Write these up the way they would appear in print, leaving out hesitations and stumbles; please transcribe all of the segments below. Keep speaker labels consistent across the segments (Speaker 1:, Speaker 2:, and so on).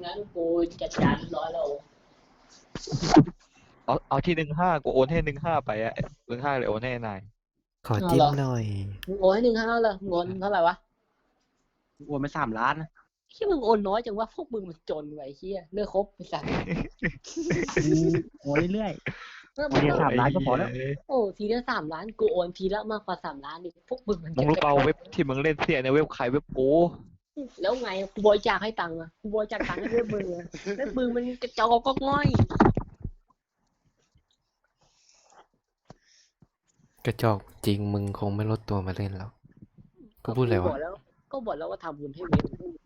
Speaker 1: นั้นกูจัดการเรียบร้อยแล้ว
Speaker 2: เอาที่15กูโอนให้15ไปอะ15เลยโอนให้นาย
Speaker 3: ขอจิ้มหน่อย
Speaker 1: มึงโอนให้1,500เลยเงินเท่าไหร่วะ
Speaker 4: โอนไป3 ล้านนะ
Speaker 1: ที่มึงโอนน้อยจังว่าพวกมึงมันจนไว้เฮียเลิกคบไปสัตว์
Speaker 4: โอนเรื่อยๆโอนเดียว3 ล้านก็พอแล้ว
Speaker 1: โอ้ทีละ3 ล้านกูโอนทีละมากกว่า3 ล้านดิพวกมึงมัน
Speaker 2: มึงรู้เปล่าเว็บที่มึงเล่นเสียในเว็บใครเว็บกู
Speaker 1: แล้วไงกูบริจาคให้ตังค์อ่ะกูบริจาคตังค์ให้เว็บมึงอ่ะเว็บมึงมันกระจอกก็ง่อย
Speaker 3: กระจอกจริงมึงคงไม่ลดตัวมาเล่นแล้วก็พูดอะไรวะ
Speaker 1: ก็บอกแล้วว่าทำบุญให้เว็บ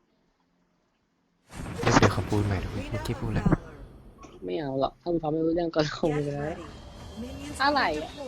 Speaker 3: ไม่เปลี่ยนคำพูดใหม่หรอกเมื่อกี้พูดอะไร
Speaker 1: ไม่เอาหรอกถ้ามึงทำไม่รู้เรื่องก็คงไปแล้ว อะไรอ่ะ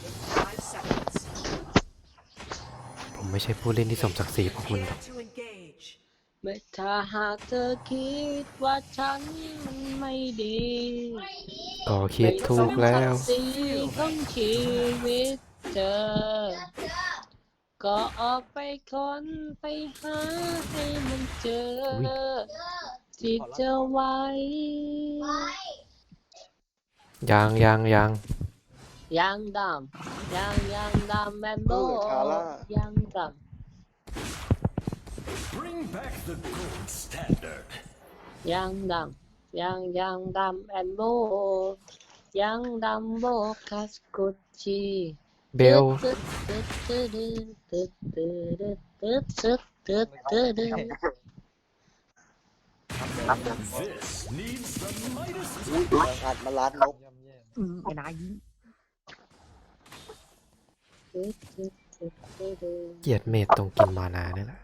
Speaker 3: ผมไม่ใช่ผู้เล่นที่สมศักดิ์ศรีพวกคุณหรอก
Speaker 1: ไม่ถ้าหากเธอคิดว่าฉันมันไม่ดี
Speaker 3: ก็คิดถูกแล้ว
Speaker 1: ไม่สมศักดิ์ศรีของชีวิตเธอ ก็ออกไปค้นไปหาให้มันเจอ ที่เจอไว้
Speaker 3: ยัง
Speaker 1: ยางดำยางดำแมนโบยางดำ
Speaker 5: Bring back the gold standard.
Speaker 1: ยางดำแอนโบยางดำโบคัสกุชิ
Speaker 3: เบล
Speaker 5: This needs the Midas
Speaker 4: อัดมาล้านนกไอ้นายยิง
Speaker 3: เกลียดเมดตรงกินมานาเนี่ยแหละ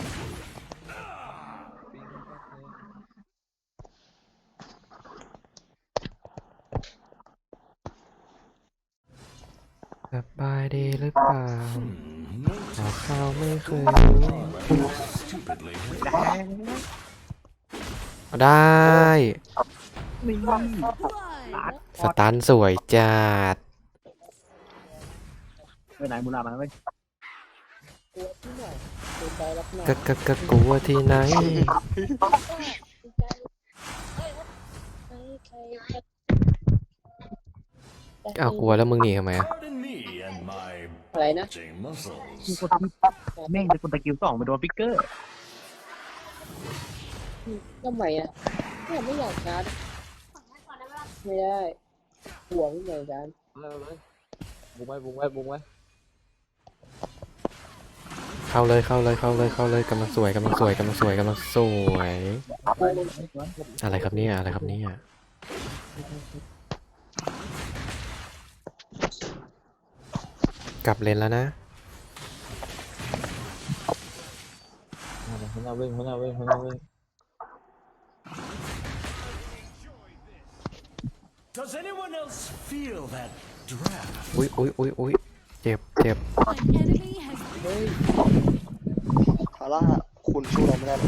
Speaker 3: สบายดีหรือเปล่าหาข้าวไม่เคยรู้
Speaker 5: stupidly.
Speaker 3: ได้ สตันสวยจัด
Speaker 4: ไปไหนมูลามาเว้ย
Speaker 3: กลัวที่ไหนเอากลัวแล้วมึงหนีทำไมอะ
Speaker 5: Pardon me and my
Speaker 1: อะไรนะ
Speaker 5: bulging muscles.
Speaker 4: แม่งเป็นคนตะกิ้ว2ไปโดนฟิกเกอร์
Speaker 1: ทำไมอ่ะไม่อยากชาร์จไม่ได้ห่วงเหมือนกัน
Speaker 2: เลยบุ้งไว้
Speaker 3: เข้าเลยกำลังสวยอะไรครับเนี่ยกลับเลนแล้วนะ
Speaker 2: หัวหน้าวิ่ง
Speaker 5: Does anyone else feel that draft?
Speaker 3: อุ้ยเจ็บ
Speaker 4: คาร่าคุณสู้เราไม่ได้หรอก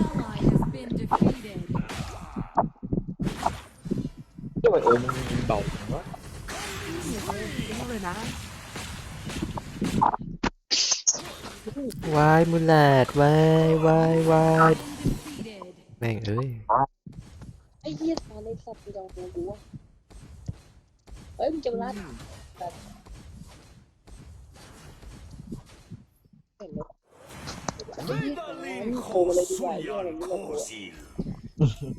Speaker 2: ที่ว่ามึงยิงเบาจังวะ
Speaker 3: วายมุลแลดวายแม่งเอ้ย
Speaker 1: ไอ้เหี้ยตอนในสัตว์ที่เราดูว่าเฮ้ยมึงจะมาลัดแบบเห็นไหมไอ้เหี้ยโคมาเลยดีกว่าเหี้ยอะไรไม่รู้
Speaker 5: Kosil.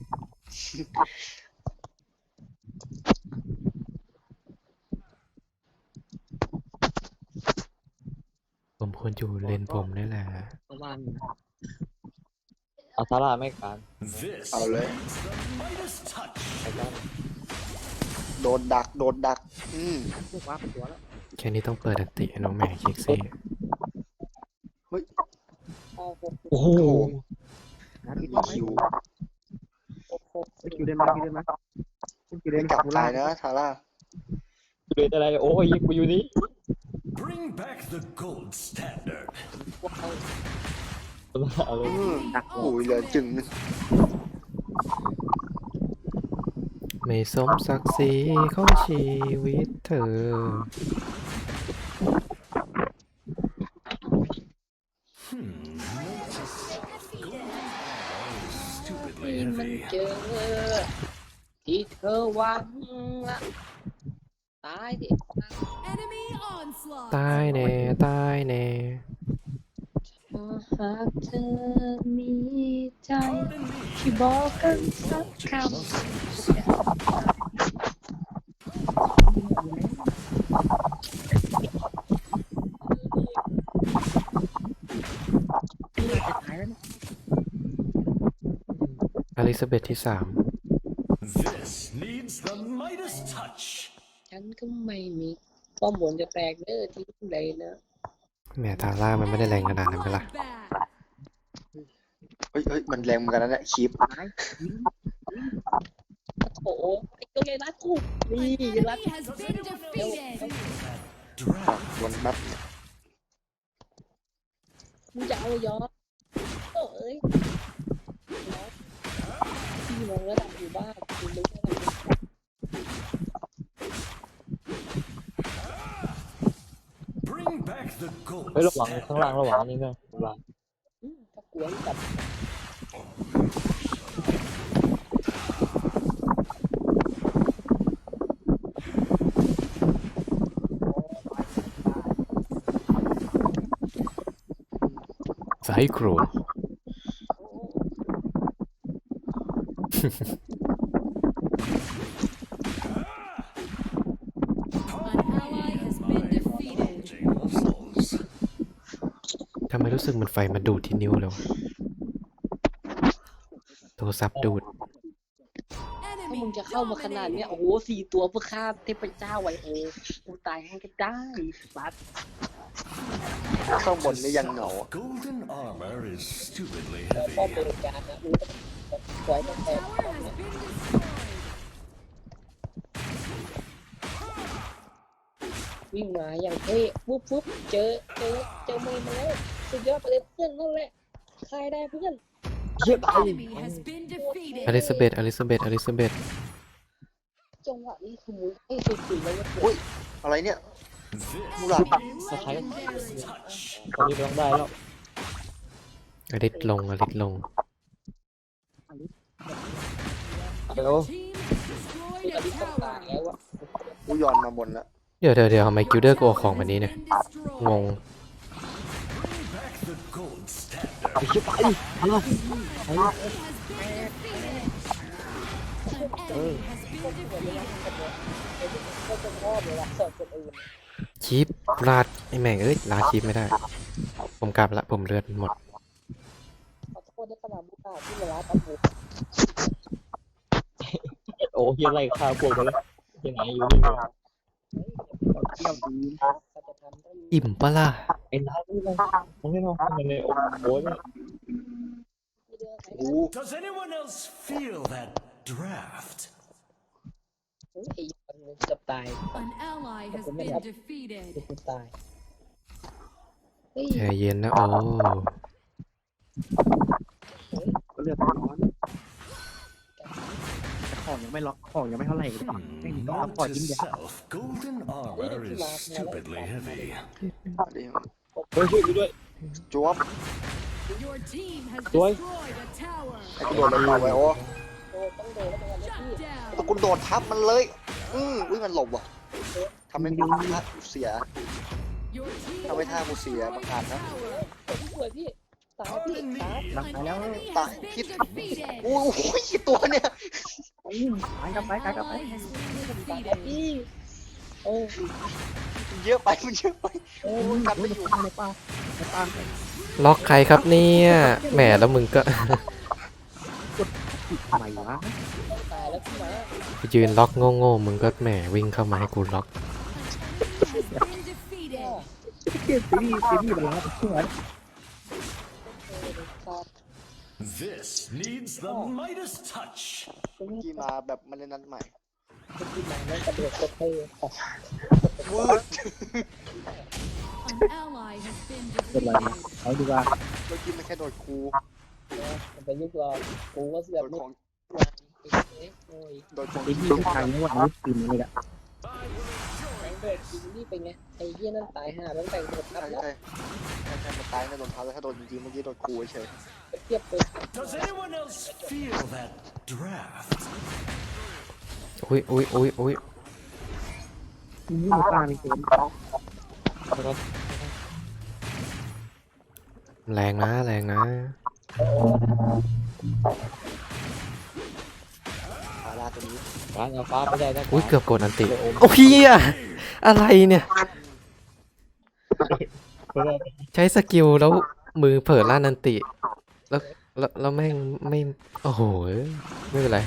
Speaker 3: ผมควรอยู่เลนผมนี่แหละ
Speaker 1: ประมาณ
Speaker 2: เอาซาร่าไม่การ
Speaker 5: This
Speaker 4: เอาเลย
Speaker 5: needs the Midas touch.
Speaker 4: โดนดัก
Speaker 1: ว่าเป็นตัวแล้ว
Speaker 3: แค่นี้ต้องเปิดอันติให้น้องแม่เช็คซี่
Speaker 2: โอ้โห
Speaker 4: คิว
Speaker 1: คิวได้ไหม
Speaker 4: ไม่กลับตายนะทาร่า
Speaker 2: เดินอะไรโอ้ยกูอยู่นี่
Speaker 5: Bring back the gold standard.
Speaker 2: เอาเลย
Speaker 4: อุ้ยเหลือจึง
Speaker 3: ไม่สมศักดิ์ศรีของชีวิตเธอ
Speaker 5: Notice. Golden arrow is stupid stupidly
Speaker 1: มัน
Speaker 5: heavy.
Speaker 1: เจอที่เธอหวังละตายดิ
Speaker 6: Enemy onslaught.
Speaker 3: ตายแน่ตายแน่
Speaker 1: หากเธอมีใจ
Speaker 5: Pardon me.
Speaker 1: ที่บอกกันสัก
Speaker 5: Indulge
Speaker 1: ค
Speaker 5: your muscles.
Speaker 4: จะตายแล้วเนี่ย
Speaker 3: อลิซาเบธที่สาม
Speaker 5: This needs the Midas touch.
Speaker 1: ำฉันก็ไม่มีป้อมบนจะแตกเด้อทิ้งเลยนะ
Speaker 3: แหมทาร่ามันไม่ได้แรงขนาดนั้นไปละ
Speaker 6: Bloodbath.
Speaker 7: เฮ้ยมันแรงเหมือนกันนะเนี่ยคีบ
Speaker 1: โอ้โหไอ้ตัวใหญ่รัดกูนี่
Speaker 6: An
Speaker 1: ยัรัด
Speaker 6: enemy has been defeated.
Speaker 5: Draft.
Speaker 7: วนแป๊บเนี่ย
Speaker 1: มึงจะเอาย้อนโอ้เอ้ยพี่มองระดับอยู่บ้านคุณรู้ระดับ
Speaker 5: Bring back the gold
Speaker 2: เฮ้ยระวัง
Speaker 5: standard.
Speaker 2: ข้างล่างระวังนี่นะระวัง
Speaker 1: ถ้ากวนกับ
Speaker 3: ไซโครน
Speaker 6: An ally has been defeated.
Speaker 5: Indulging muscles.
Speaker 3: ทำไมรู้สึกมันไฟมาดูดที่นิ้วเลยวะโทรศัพท์ดูด
Speaker 1: ถ้า
Speaker 6: Enemy
Speaker 1: มึงจะเข้ามาขนาดเนี้ย
Speaker 6: dominated.
Speaker 1: โอ้โห4 ตัวเพื่อฆ่าเทพเจ้าไวโอกูตายให้ก็ได้สัตว์
Speaker 7: ข้างบนนี่ยังเหงา
Speaker 5: Golden armor is stupidly
Speaker 1: ป้อม
Speaker 5: heavy.
Speaker 1: บริการนะมึงต้องปล่อยมันแตก
Speaker 6: Tower has been destroyed.
Speaker 1: วิ่งมาอย่างเท่ปุ๊บปุ๊บเจอมือมาแล้วสุดยอดไปเลยเพื่อนนั่นแหละใครได้เพื่อน
Speaker 6: Enemy has been
Speaker 3: อลิ
Speaker 6: defeated.
Speaker 3: ซาเบธอลิซาเบธอลิซาเบธ
Speaker 1: จังหวะนี้คือมุ้ยให้สุดๆแล้วเว้ย
Speaker 7: อุ้ยอะไรเนี่ย
Speaker 5: This
Speaker 7: Mulan.
Speaker 5: needs the Midas touch.
Speaker 2: ตอนนี้ต้องได้แล้ว
Speaker 3: อลิสลงอลิสลง
Speaker 6: Your team has destroyed
Speaker 1: คืออ
Speaker 6: a
Speaker 1: ลิสต้องตาย
Speaker 6: tower.
Speaker 1: แล้วอะ
Speaker 7: กูย้อนมาบนแล้ว
Speaker 3: เดี๋ยวทำไมกิลเดอร์กูเอาของแบบนี้เนี่ย
Speaker 6: Been destroyed.
Speaker 3: งง
Speaker 5: Bring back the gold standard.
Speaker 2: ไปชิบไปเอา
Speaker 6: Enemy has been defeated. An enemy has been defeated.
Speaker 1: ก็จะชอบเลยละสอดคนอื่น
Speaker 3: ชีพลาดไอแม่งเอ้ยลาดชีพไม่ได้ ผมกลับละผมเลือดหมด
Speaker 1: ขอโทษด้วยขนาดบุกที่เวลาตำรวจ
Speaker 2: โอ้เฮียไล่ฆ่าพวกไปแล้วที่ไหนอยู่นี่เลย
Speaker 4: เที่ยวดี
Speaker 1: เขาจะทำต้อง
Speaker 3: อิ่มปะล่ะ
Speaker 2: ไอ้น้านี่เลยมันไม่รอดมันเลยโอ้โหเนี่ย
Speaker 1: มีเดือนไหน
Speaker 7: โอ้
Speaker 5: Does anyone else feel that draft?
Speaker 1: ไอ้ยังจะตาย
Speaker 6: An ally has been defeated.
Speaker 1: กูตายเฮ้ย
Speaker 3: ใจเย็นนะโอ้
Speaker 4: ก็เลือดร้อนของยังไม่ล็อกของยังไม่เท่าไหร่เลยไม่มีต้องรับ
Speaker 5: Note
Speaker 4: ก่อน
Speaker 5: to
Speaker 4: ยิ่งเยอะ
Speaker 5: self, golden armor is stupidly heavy.
Speaker 7: เดี๋ยว
Speaker 2: เฮ้ยช่วยกูด้วย
Speaker 7: จวบ
Speaker 6: Your team has
Speaker 2: Tôi-
Speaker 6: destroyed a tower.
Speaker 7: ไอ้กูโดนมันเอาไว้โอ้
Speaker 1: โดนต้องโดนแล้วกันนะพี่
Speaker 6: Shut down.
Speaker 7: ตะกูโดดทับมันเลยอุ้ยมันหลบว่ะทำให้กูท่าเสีย
Speaker 6: Your team
Speaker 7: ทำให้ท่า
Speaker 6: has
Speaker 7: กูเสีย
Speaker 6: destroyed
Speaker 7: ประ
Speaker 6: a
Speaker 7: กาศนะ
Speaker 6: tower.
Speaker 1: สวยพี่ตายพี่ตาย
Speaker 4: หลัง
Speaker 6: An
Speaker 4: ตายแล้ว
Speaker 6: enemy
Speaker 7: ตาย
Speaker 6: has
Speaker 7: คิด
Speaker 6: been defeated.
Speaker 7: โอ้โหกี่ตัวเนี่ย
Speaker 4: ตายกลับไปกลับไป
Speaker 6: Ally has been
Speaker 1: ตาย
Speaker 6: defeated.
Speaker 1: พี่เออ
Speaker 7: มันเยอะไปมันเยอะไป
Speaker 4: โอ้ย
Speaker 7: กันไม่อยู่
Speaker 4: ในป่าในป่า
Speaker 3: ล็อกใครครับเนี่ยแหมแล้วมึงก็
Speaker 4: ทำไมวะ
Speaker 1: ตายแล้วพี่มา
Speaker 3: ไปยืนล็อกโง่ๆมึงก็แหมวิ่งเข้ามาให้กูล็อก
Speaker 6: An enemy has been defeated.
Speaker 4: เกมซีรีส์มันล้าเชื่อ
Speaker 1: ครับ
Speaker 5: This needs the Midas touch.
Speaker 7: กี่มาแบบมาเล่นนัดใหม่
Speaker 1: พี่มาแล้วกระโดดกระเทยออก
Speaker 7: วืด
Speaker 6: An ally has been
Speaker 4: เป็นไร
Speaker 6: defeated.
Speaker 4: เอาดีกว่า
Speaker 7: เมื่อกี้มันแค่โดดครู
Speaker 1: มันไปยุคเรากูก็เสื
Speaker 7: โด
Speaker 1: อก
Speaker 7: ด
Speaker 1: มุ
Speaker 7: ข
Speaker 1: ก
Speaker 7: อง
Speaker 1: วางโอ้ย
Speaker 7: โดดของ
Speaker 4: ซีรีส์ทุกครั้งนี่ว่าอันนี้ปีนเลยอะ
Speaker 1: แม่งโดดจริงนี่เป็นไงไอ้เหี้ยนั่นตายห่าแล้วแต่งหมดทับ
Speaker 7: ใช่
Speaker 1: แล้ว
Speaker 7: ใช่ใช่มันตายในโดนเท้าแล้วถ้าโดนจริงๆเมื่อกี้โดนกูเฉย
Speaker 1: เทียบไป
Speaker 5: Does anyone else feel that draft?
Speaker 3: อุ้ยอุ้ยอุ้ยอุ้ย
Speaker 4: นี่มันกล้ามีเกม
Speaker 3: แรงนะแรงนะ
Speaker 7: ฟาร่าตัวนี้
Speaker 2: ร้านเอาฟ้าไม่ได้นะ
Speaker 3: อุ้ยเกือบกดอันติโอ้พี่อะอะไรเนี่ย ใช้สกิลแล้วมือเผลอลั่นอันติ แล้วแม่งไม่โอ้โหไม่เป็นไร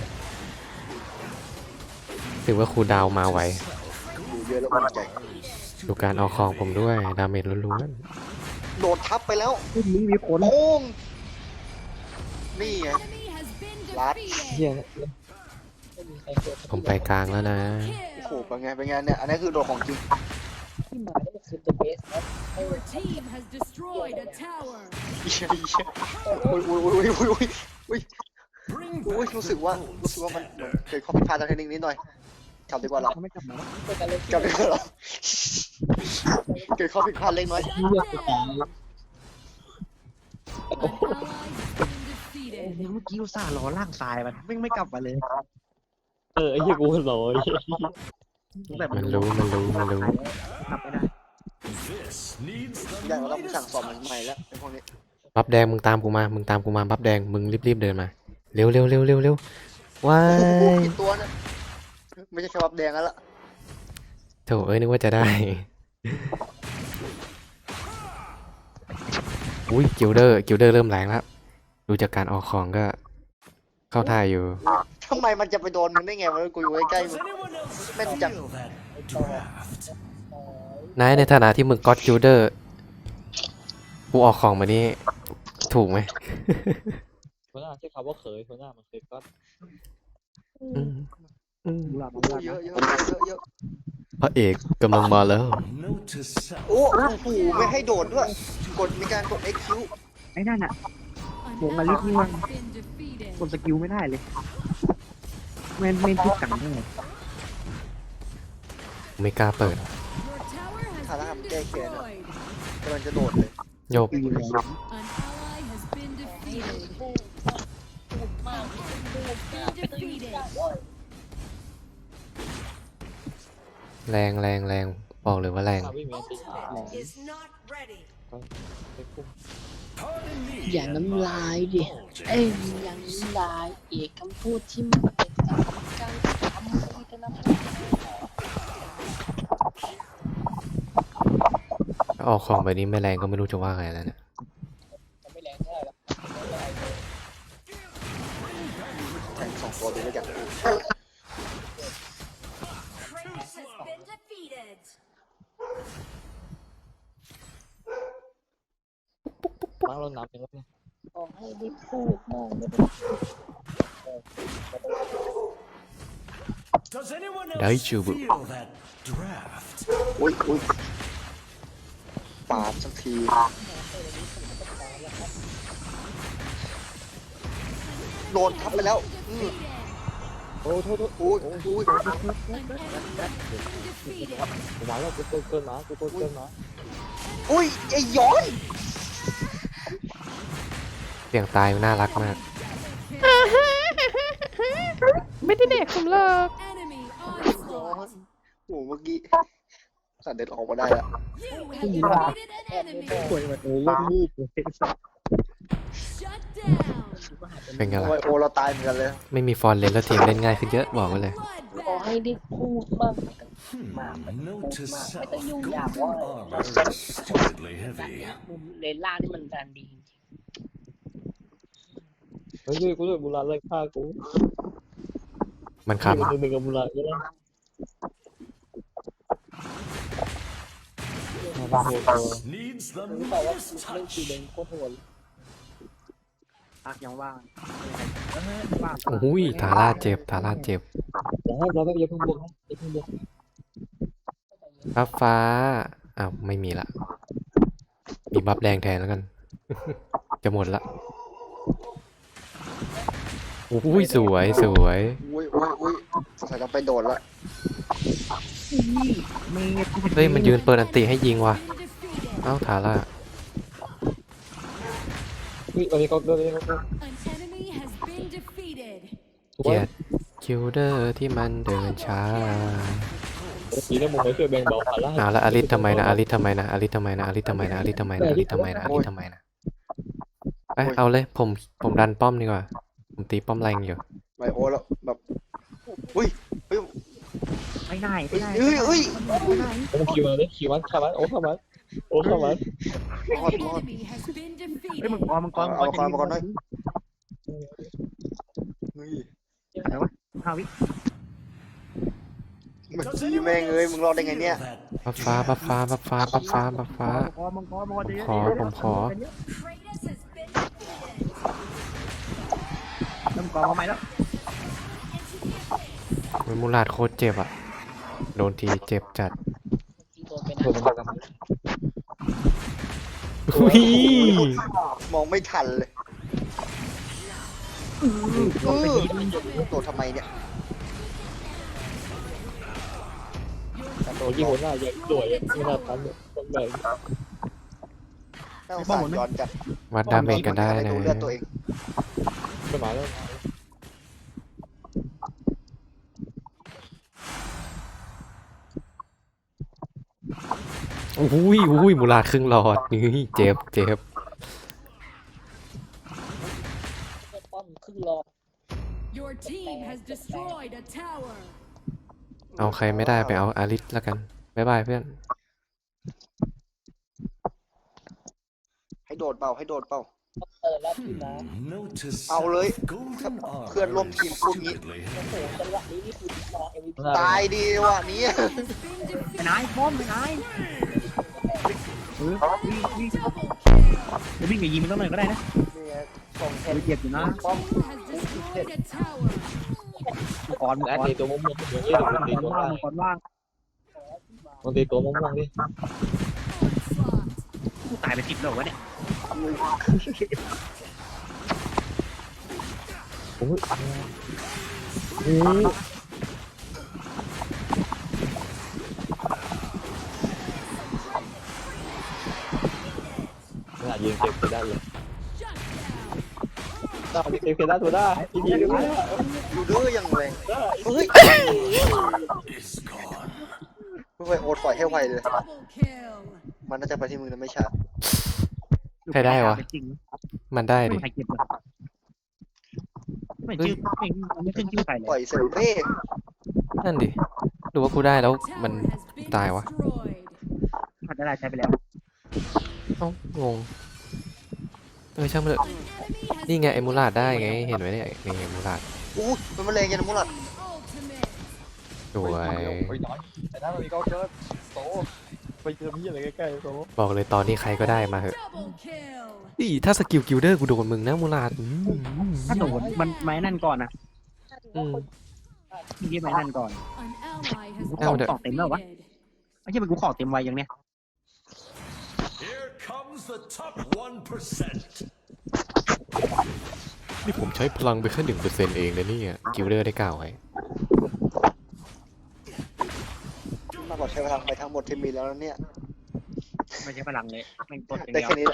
Speaker 3: ถือว่าครูดาวมาไว
Speaker 7: ดูเยอะแล้วมันใจ
Speaker 3: ดูการออกของผมด้วยดาเมจล้วน
Speaker 7: โดดทับไปแล้ว
Speaker 4: ที่นี้มีคน
Speaker 7: โป้งนี่ไง
Speaker 6: Enemy has been
Speaker 7: Lát.
Speaker 6: defeated.
Speaker 2: เฮีย
Speaker 1: ไม่มีใครเกิด
Speaker 3: ๆผมไปกลางแล้วนะ
Speaker 7: โอ้โหเป็นไงเป็นไงเนี่ยอันนี้คือโดดของจริง
Speaker 1: ที่มาได้คือ the best นะ
Speaker 6: Your team has destroyed a tower.
Speaker 7: เหี้ยเหี้ยอุ้ยอุ้ยอุ้ยอุ้ยอุ้ยอุ้ย
Speaker 5: Bring
Speaker 7: อุ้ย
Speaker 5: back
Speaker 7: รู้
Speaker 5: the
Speaker 7: สึกว่า
Speaker 5: gold
Speaker 7: รู้สึกว่ามัน
Speaker 5: standard.
Speaker 7: เกิดข้อผิดพลาดทางเทคนิคนิดหน่อยกลับดีกว่าเรา
Speaker 4: เขาไม่กลับมา
Speaker 1: เกิดอะไร
Speaker 7: กลับดีกว่าเราเกิดข้อผิดพลาดเล็กน้อย
Speaker 6: Shut down. An ally has been
Speaker 4: เดี๋
Speaker 6: defeated.
Speaker 4: ยวเมื่อกี้อุตส่าห์รอล่างทรายมันไม่กลับมาเลย
Speaker 2: ไอ้เหี้ยกูหล่อ
Speaker 4: ตั้งแต่
Speaker 3: มันรู้มันรู้มันรู้
Speaker 4: กลับไม่ได้
Speaker 5: This needs
Speaker 7: อย่าง
Speaker 5: the
Speaker 7: เราต้องสั่ง
Speaker 5: latest
Speaker 7: สอนมันใหม่แล้วเป็นพวกนี้
Speaker 3: บัฟแดงมึงตามกูมามึงตามกูมาบัฟแดงมึงรีบๆเดินมาเร็วเร็วเร็วเร็วเร็วว้า
Speaker 7: โอ้โห
Speaker 3: ย
Speaker 7: กี่ตัวนะไม่ใช่แค่บับแดงแล้วล่ะ
Speaker 3: โถเอ้ยนึกว่าจะได้ อุ้ยกิลเดอร์เริ่มแรงแล้วดูจากการออกของก็เข้าท่าอยู่
Speaker 7: ทำไมมันจะไปโดนมึงได้ไงวะกูอยู่ใกล้ๆ
Speaker 5: Does
Speaker 7: มึง
Speaker 5: anyone else
Speaker 7: Bên
Speaker 5: feel
Speaker 7: trong.
Speaker 5: that draft?
Speaker 3: นายในฐานะที่มึงก็อดกิลเดอร์กูออกของมานี่ถูกไหม
Speaker 2: คนหน้าใช้คำว่าเขยคนหน้ามันเคยก็
Speaker 3: อืมอืม
Speaker 4: ดูหลับ
Speaker 7: โอ้
Speaker 4: ดูหลับ
Speaker 7: เยอะเยอะเยอะ
Speaker 3: พระเอกกำลังมาแล้ว
Speaker 5: Note to self.
Speaker 7: โอ้โหไม่ให้โดดด้วยกดมีการกด XQ
Speaker 4: ไอ้นั่นอ่ะ
Speaker 6: An
Speaker 4: Buông mà
Speaker 6: ally
Speaker 4: lít như
Speaker 6: has
Speaker 4: anh.
Speaker 6: been defeated.
Speaker 4: กดสกิลไม่ได้เลยไม่ติดกันได้ไง
Speaker 3: ไม่กล้าเปิด
Speaker 6: Your tower has
Speaker 7: Thằng
Speaker 6: been
Speaker 7: làm kê kìa nè.
Speaker 6: destroyed.
Speaker 7: กำลังจะโดดเลย
Speaker 3: โยก
Speaker 4: ตีเลย
Speaker 6: An ally has been defeated. Defeated.
Speaker 3: แรงแรงแรงบอกเลยว่าแรง
Speaker 2: วิ่งมีอันตี
Speaker 8: is not ready.
Speaker 2: ไปพุ่ง
Speaker 5: Pardon me.
Speaker 1: อย่า
Speaker 5: and
Speaker 1: น้ำ
Speaker 5: my
Speaker 1: ลายดิ
Speaker 5: indulgence.
Speaker 1: เอ้ยอย่าน้ำลายเอกคำพูดที่มันเป็นการทำไม่ได้นะ
Speaker 3: ออกของแบบนี้ไม่แรงก็ไม่รู้จะว่าไงแล้วเนี่ย
Speaker 1: จะไม่แรงเท่าไหร่หรอก
Speaker 7: แทงสองตัวเลยแล้วกัน
Speaker 8: Kratos has been defeated.
Speaker 2: ล้างรถน้ำเป็นแล้วเนี่ย
Speaker 1: ขอให้ได้พูดมากไม่ได้
Speaker 5: Does anyone else
Speaker 3: Daichubu.
Speaker 5: feel that draft?
Speaker 7: อุ้ยอุ้ยปาดสักทีโดนทับไปแล้วโอ้โทษอุ้ยอุ้ย
Speaker 6: An enemy has been defeated.
Speaker 2: ผมมาแล้วกูเกินมากูเกินมา
Speaker 7: อุ้ยไอ้ย้อน
Speaker 3: เสียงตายมันน่ารักมาก
Speaker 6: ไม่ได้เด็กผมหรอก
Speaker 7: ย้อนโอ้เมื่อกี้สัตว์เด็ดออกมาได้อะ
Speaker 6: You have defeated an enemy.
Speaker 4: ป่วยแบบโอ้ยลูกเลย
Speaker 6: Shut down.
Speaker 3: เป็นไง
Speaker 7: โอ้
Speaker 3: ล่ะ
Speaker 7: ยโอ้เราตายเหมือนกันเลย
Speaker 3: ไม่มีฟอนต์เลนแล้วทีมเล่นง่ายขึ้นเยอะบอกไว้เลย
Speaker 1: ขอให้ได้พูดบ้าง
Speaker 5: Note to self.
Speaker 1: Ito yung
Speaker 5: Golden
Speaker 1: yawa.
Speaker 5: armor is stupidly heavy.
Speaker 1: มุมเลนล่างนี่มันดันดีจริง
Speaker 2: เฮ้ยกูด้วยบุราเลยฆ่ากู
Speaker 3: มันขับ
Speaker 2: หนึ่งกับบุราก็ได้
Speaker 5: Needs the
Speaker 1: ๆรู้เปล่าว่า
Speaker 5: latest
Speaker 1: เล่นคี
Speaker 5: touch.
Speaker 1: เลนโคตรโหด
Speaker 4: พักยังว่างว่าง
Speaker 3: โอ้ยทาร่าเจ็บทาร่าเจ็บ
Speaker 2: แต่ให้เราอย่าเพิ่งบวกนะอย่าเพิ่งบวก
Speaker 3: บัฟฟ้าอ้าวไม่มีละมีบัฟแดงแทนแล้วกัน จะหมดละโอ้ยสวยสวย
Speaker 7: อุ้ยอุ้ยอุ้ยสงสัยต้องไปโดดละ
Speaker 4: นี่เมย์
Speaker 3: เฮ้ยมันยืนเปิดอันติให้ยิงว่ะ
Speaker 6: Been defeated.
Speaker 3: เอ้าทาร่า
Speaker 2: อุ้ยอันนี้ก็ได้ก็ได้
Speaker 6: An enemy has been defeated.
Speaker 3: เกลียดคิวเดอร์ที่มันเดินช้า
Speaker 2: สีน้ำมันไม่ช่วยแบ่งเบาภาระ
Speaker 3: เอาละอลิสทำไมนะอลิสทำไมนะอลิสทำไมนะอลิสทำไมนะอลิสทำไมนะอลิสทำไมนะอลิสทำไมนะไปเอาเลยผมดันป้อมดีกว่าผมตีป้อมแรงอยู่
Speaker 7: ไบโอแล้วแบบอุ้ยเฮ้ย
Speaker 4: ไม่ได้
Speaker 7: เฮ้
Speaker 4: ไม่
Speaker 7: ย
Speaker 4: ได้
Speaker 7: เฮ้ยเฮ้ย
Speaker 2: โอ้คิวมาเลยคิวมันข้ามันโอ้ข้ามันโอ้ข้ามัน
Speaker 7: รอด
Speaker 6: An
Speaker 7: รอด
Speaker 6: enemy has been
Speaker 4: เฮ้ย
Speaker 6: defeated.
Speaker 4: มังกร
Speaker 7: เฮ้ย
Speaker 4: อะไรวะ5 วิ
Speaker 7: เมื่อกี้แม่งเอ้ยมึงรอดได้ไงเนี่ย
Speaker 3: บัฟฟ้าบัฟฟ้าบัฟฟ้าบัฟฟ้าบัฟฟ้า
Speaker 4: มังกรจะเยอะ
Speaker 3: ผมขอ
Speaker 8: Kratos has been defeated.
Speaker 4: มังกรมาใหม่แล้ว
Speaker 3: มันมูลาดโคตรเจ็บอ่ะโดนทีเจ็บจัด
Speaker 1: ที่โดนไป
Speaker 2: โด
Speaker 1: นะ
Speaker 2: นมันกัน
Speaker 3: อุ้ย
Speaker 7: มองไม่ทันเลย
Speaker 4: โดนไปทีนึง
Speaker 7: โดดทำไมเนี่ย
Speaker 2: โอ้ยหัวหน้าใหญ่ด้วยไม่น่าทันเลยต้องแบ่ง
Speaker 7: น่าสงสารย้อนจัด
Speaker 3: วัดดาเมจกันได้
Speaker 7: ไม่
Speaker 3: นะ
Speaker 7: ดูเลือดตัวเอง
Speaker 2: ไม่มาแล้ว
Speaker 3: อุ้ยมูลาดครึ่งหลอดนี่เจ็บ
Speaker 1: ป้อมครึ่งรอ
Speaker 6: Your team has destroyed a tower.
Speaker 3: เอาใครไม่ได้ไปเอาอาริสแล้วกันบ๊ายบายเพื่อน
Speaker 7: ให้โดดเปล่าให้โดดเปล่า
Speaker 1: เปิดแล้วพี่นะ
Speaker 5: Notice
Speaker 7: Ao lưới.
Speaker 5: golden armor
Speaker 7: Khuyên luôn team phun nhị.
Speaker 5: repeatedly.
Speaker 1: โอ้โหจังหวะนี้นี่คือรอ MVP
Speaker 7: ตายดีว่ะนี้
Speaker 6: Has been
Speaker 4: ไป
Speaker 6: defeated.
Speaker 4: ไหนป้อมไปไหนวิ่ง
Speaker 6: Double kill.
Speaker 4: จะวิ่งไปยิงมันต้องหน่อยก็ได้นะ
Speaker 7: นี่ไงส่งเทน
Speaker 4: เจ็บอยู่นะ
Speaker 6: Your team has destroyed a tower.
Speaker 4: มังกร
Speaker 2: แล้วตีตัวม่วงๆเดี๋ยวนี้มันตีตัว
Speaker 4: ว่าง
Speaker 2: ล่าง
Speaker 4: มังกรว่าง
Speaker 2: มันตีตัวม่วงๆดิ
Speaker 6: Onslaught.
Speaker 4: ตายไป10แล้ววะเนี่ย
Speaker 2: น่ายิงเก็บไปได้เลย
Speaker 6: Shut down.
Speaker 2: ได้เก็บได้ตัวได้อีกทีนึง
Speaker 7: ดูดื้อยังแรงเฮ้ย
Speaker 5: Is gone.
Speaker 7: ไม่โอดปล่อยให้ไวเลย
Speaker 6: Double kill.
Speaker 7: มันน่าจะไปที่มึงนะไม่ช้า
Speaker 3: ใครได้วะ
Speaker 4: จริง
Speaker 3: มันได้
Speaker 4: ไม่
Speaker 3: ดิ
Speaker 4: ใครเก็บเลยไม่ชื่อไม่ขึ้นชื่อใครเล
Speaker 7: ปล่อย
Speaker 4: ย
Speaker 7: เซลเป้
Speaker 3: นั่นดิหรือว่ากูได้แล้ว
Speaker 6: Tower
Speaker 3: มัน
Speaker 6: has been
Speaker 3: ตายวะ
Speaker 6: destroyed.
Speaker 4: อาจจะได้ใช้ไปแล้ว
Speaker 3: เอ้างงช่างมันเถอะ
Speaker 6: An enemy has
Speaker 3: นี่ไงไอ้มูลาดได้ไงเห็นไหมเนี่ยนี่ไงมูลาด
Speaker 7: อู้มันมาแรงยันมุลัด
Speaker 6: ultimate.
Speaker 3: สวย
Speaker 2: ไปน้อยแต่นั้นมันมีก็เกิดโตไปเจอพี่อะไรใกล้ๆโต
Speaker 3: บอกเลยตอนนี้ใครก็ได้มาเถอะ
Speaker 6: Double kill.
Speaker 3: อีถ้าสกิลกิลเดอร์กูโดนมึงนะมูลาด
Speaker 4: ถ้าโดนมันไม้นั่นก่อนนะ
Speaker 3: อืม
Speaker 4: ที่ไม้นั่นก่อน
Speaker 6: An ally has been
Speaker 3: เอาเถอะ
Speaker 4: ของเต็มแล้ววะ
Speaker 6: defeated.
Speaker 4: ไม่ใช่เป็นกูของเต็มไวอย่างเนี้ย
Speaker 5: Here comes the top 1%.
Speaker 3: นี่ผมใช้พลังไปแค่1%เองนะเนี่ยกิลเดอร์ได้กล่าวไว้
Speaker 7: มากกว่าใช้พลังไปทั้งหมดที่มีแล้วเนี่ย
Speaker 4: ไม่ใช่พลังเลยแม่งต้นอย่าง
Speaker 7: ได้
Speaker 4: เดียว
Speaker 7: แค่นี้แหละ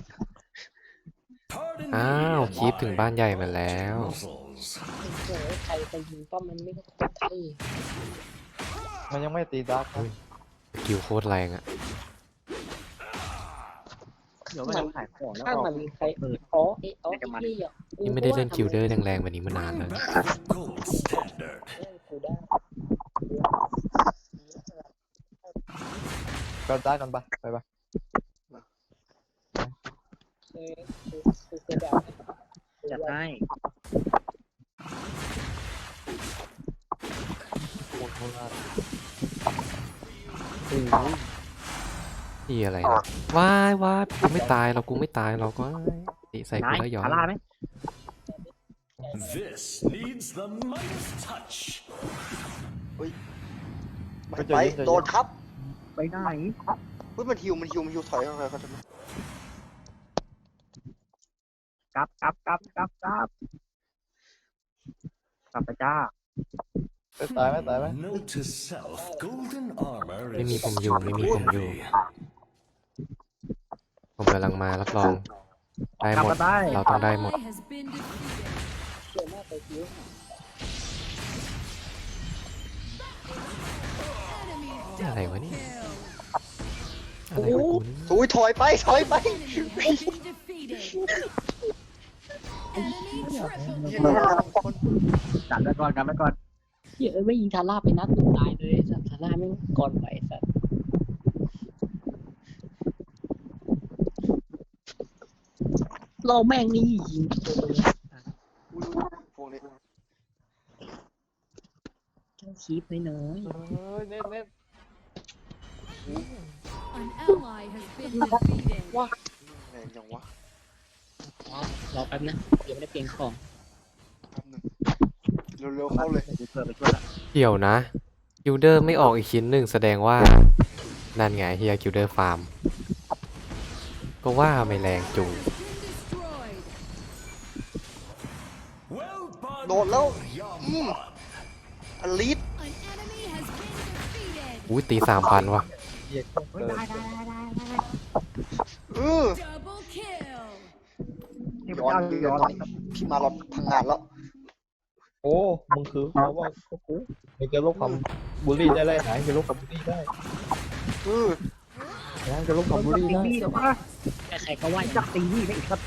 Speaker 5: Pardon
Speaker 3: อ้าว
Speaker 5: me
Speaker 3: คีปถึงบ้านใหญ่มาแล้ว
Speaker 5: muscles.
Speaker 1: เจอใครไปยิงป้อมมันไม่ต้องใช่
Speaker 2: มันยังไม่ตีดัก
Speaker 3: สกิลโคตรแรงอะ
Speaker 4: เดี๋ยวมันขายของแล้ว
Speaker 1: ถ้า
Speaker 4: ก็
Speaker 1: มันมีใครอ๋อไอ้อ๋อไอ้นี่อ่ะ
Speaker 3: นี่ไม่ได้เล่นกิลเดอร์แรงๆแบบนี้มานานแล้ว
Speaker 5: Bring back the gold standard.
Speaker 1: กูได้
Speaker 2: ก็ได้กันปะไปปะ
Speaker 1: คือแบบ
Speaker 4: จัดให้
Speaker 2: โคตรโคตร
Speaker 3: นี่อะไรนะว้ายกูไม่ตายเรากูไม่ตายเราก็ตีใส่กู
Speaker 4: นาย
Speaker 3: แล้วย้อน
Speaker 4: คาร่าไหม
Speaker 5: This needs the Midas touch.
Speaker 7: ไปโดนทับ
Speaker 4: ไปไหน
Speaker 7: เฮ้ยมันฮิวถอยเข้าไปเขาทำไม
Speaker 4: กลับกลับไปจ้า
Speaker 2: ตายไหมตายไหม
Speaker 5: Note to self: golden armor
Speaker 3: ไม่มี
Speaker 5: is
Speaker 3: ผมอยู่ไม่มีผมอยู่ ผมกำลังมารับรอง ได้
Speaker 4: กลับ
Speaker 3: หมด
Speaker 4: มาได้
Speaker 3: เราต้องได้หมด
Speaker 6: Ally has been defeated. Enemy
Speaker 3: อะไร
Speaker 6: double
Speaker 3: วะเนี่ย
Speaker 6: kill.
Speaker 3: อะไรของกูเนี่ย
Speaker 7: อุ้ยถอยไปถอยไป
Speaker 6: Enemy has been defeated. Enemy triple
Speaker 4: กันไว้ก่อนกันไว้ก่อน
Speaker 1: เหี้ยไม่ยิงทาร่าไปนัดหนึ่งตายเลยสัตว์ทาร่าไม่งก่อนไหวสัตว์เราแม่งนี่ยิงตัวเลย
Speaker 7: อุ้ยพวกนี้
Speaker 1: เจ้าคีบน้อย
Speaker 2: เน้นเน้น
Speaker 6: An ally has been defeated.
Speaker 7: แม่งยังวะ
Speaker 1: ๆรอแป๊บนะยังไม่ได้เปลี่ยนของ
Speaker 7: แป๊บนึงเร็วๆเข้าเลย
Speaker 4: ไปช่วยไปช่วยละ
Speaker 3: เดี๋ยวนะคิวเดอร์ไม่ออกอีกชิ้นหนึ่งแสดงว่า นั่นไงเฮียคิวเดอร์ฟาร์ม ก็ว่าไม่แรงจูง
Speaker 6: Been destroyed.
Speaker 5: well done.
Speaker 7: โดดแล้ว
Speaker 5: Yum.
Speaker 7: อลิส
Speaker 6: An enemy has been defeated.
Speaker 3: อุ้ยตี3,000ว่ะ
Speaker 2: เหี้ย
Speaker 4: เฮ้ยได้ได้ได้ได้ได้
Speaker 6: Double kill.
Speaker 4: นี่พ
Speaker 7: ย้
Speaker 4: ระ
Speaker 7: อน
Speaker 4: เจ้า
Speaker 7: ย้
Speaker 4: ย้
Speaker 7: อ
Speaker 4: อน น
Speaker 7: พี่มาหลอดพังงานแล้ว
Speaker 2: โอ้มึงคือเขาว่ากูไม่จะลบความบูลลี่ได้เลยหายจะลบความบูลลี่ได้หายจะลบความบูล
Speaker 4: ตี
Speaker 2: ลี่ได้
Speaker 4: นี่เหรอวะ
Speaker 1: ใครๆก็ว่า
Speaker 4: จักตีนี่ได้อีกครับ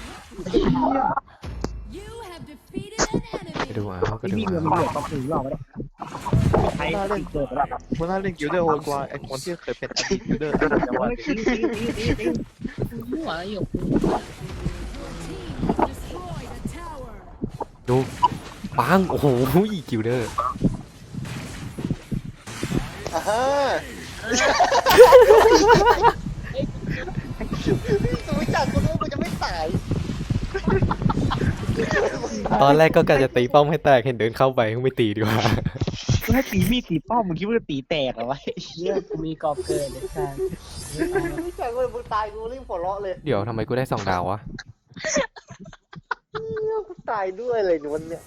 Speaker 6: You have defeated an
Speaker 3: ไปดู
Speaker 6: enemy.
Speaker 3: เอาไป
Speaker 4: ตี
Speaker 3: ดู
Speaker 4: นี่เงิน
Speaker 3: เอา
Speaker 4: มันเหลือต้องถือหรอกไม่ได้ใช้ตีเกิดไปแล้ว
Speaker 2: มันน่าเล่นกิลเดอร์โหดกว่าไอ้คนที่เคยเป็นอดีตกิลเดอร์แต่ว่า
Speaker 4: เฮ้ยตี
Speaker 1: หัวหยก
Speaker 6: Your team destroyed a tower.
Speaker 3: ดูปังโอ้โหคิวเดอร์
Speaker 7: อ่าฮะรู้จักกูรู้กูจะไม่ตาย
Speaker 3: ตอนแรกก็กะจะตีป้อมให้แตกเห็นเดินเข้าไปไม่ตีดีกว่า
Speaker 4: กูให้ตีมีดตีป้อมมึงคิดว่าจะตีแตกเหรอวะ
Speaker 1: เชี่ยกูมีกรอบเกินเลยค่ะ
Speaker 7: รู้จักเลยมึงตายกูรีบหัวเราะเลย
Speaker 3: เดี๋ยวทำไมกูได้2 ดาววะ
Speaker 7: กูตายด้วยเลยวันเนี้ย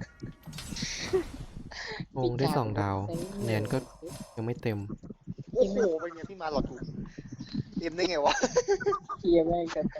Speaker 3: งงได้2 ดาวเนียนก็ยังไม่เต็ม
Speaker 7: โอ้โหเป็นไงพี่มาหลอดกูเอ็มได้ไงวะ
Speaker 1: เชี่ยแม่งกัน